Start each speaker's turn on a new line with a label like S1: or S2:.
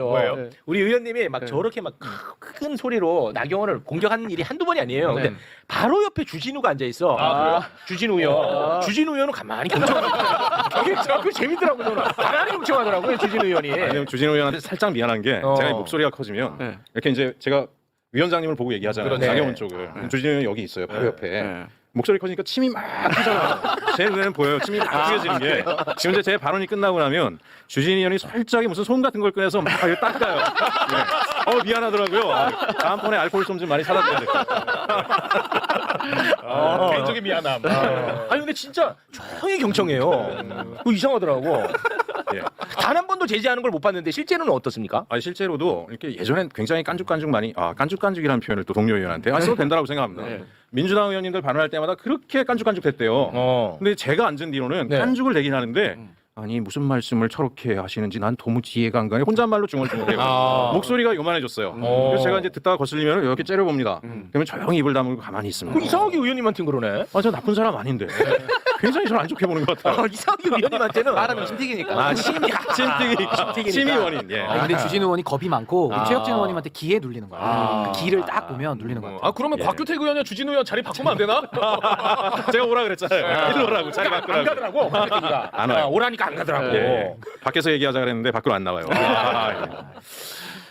S1: 뭐예요?
S2: 네.
S3: 우리 의원님이 막
S2: 네.
S3: 저렇게 막 큰 소리로 나경원을 공격하는 일이 한두 번이 아니에요. 근데 바로 옆에 주진우가 앉아 있어.
S1: 그래요?
S3: 주진우 의원. 주진우 의원은 가만히 경청하더라고요. 그 재밌더라고요. 저는. 가만히 경청하더라고요. 주진우 의원이.
S4: 아니면 주진우 의원한테 살짝 미안한 게 제가 목소리가 커지면
S2: 네.
S4: 이렇게 이제 제가 위원장님을 보고 얘기하잖아요.
S1: 그렇네.
S4: 나경원 쪽을. 주진우 의원이 여기 있어요. 바로 옆에. 목소리 커지니까 침이 막 튀잖아. 제 눈에는 보여요. 침이 막 튀어지는 게. 지금 이제 제 발언이 끝나고 나면 주진우 의원이 살짝 무슨 솜 같은 걸 꺼내서 막 이렇게 닦아요. 네. 미안하더라고요. 다음번에 알코올 솜 좀 많이 사다 줘야 될 것 같아요.
S1: 개인적인 미안함.
S3: 아니 근데 진짜 조용히 경청해요. 그거 이상하더라고.
S4: 예.
S3: 단 한 번도 제지하는 걸 못 봤는데 실제로는 어떻습니까?
S4: 아니 실제로도 이렇게 예전엔 굉장히 깐죽깐죽 많이 깐죽깐죽이라는 표현을 또 동료 의원한테 써도 된다고 생각합니다.
S2: 네.
S4: 민주당 의원님들 발언할 때마다 그렇게 깐죽깐죽 됐대요. 근데 제가 앉은 뒤로는
S3: 네.
S4: 깐죽을 내긴 하는데 아니 무슨 말씀을 저렇게 하시는지 난 도무지 이해가 안 가요. 혼잣말로 중얼중얼해요. 목소리가 요만해졌어요. 그래서 제가 이제 듣다가 거슬리면 이렇게 째려봅니다. 그러면 조용히 입을 다물고 가만히 있습니다.
S3: 그 이상하게 의원님한테는 그러네.
S4: 아, 저 나쁜 사람 아닌데. 굉장히 저를 안 좋게 보는 것 같아요.
S3: 이상하게 의원님한테는
S2: 말하면 침튀기니까.
S3: 아 심이
S4: 침이 원인. 예.
S5: 근데 주진우 의원이 겁이 많고 우리 최혁진 의원님한테 기에 눌리는 거야. 그 기를 딱 보면 눌리는 거야.
S1: 그러면 곽규택 의원이랑 주진우 의원 자리 바꾸면 안 되나?
S4: 제가 오라 그랬잖아요. 일로 오라고. 자리
S3: 안
S4: 바꾸라고.
S3: 가더라고. 곽규택이가.
S4: 안 와요.
S3: 오라니까 안 가더라고.
S4: 예. 밖에서 얘기하자 그랬는데 밖으로 안 나와요.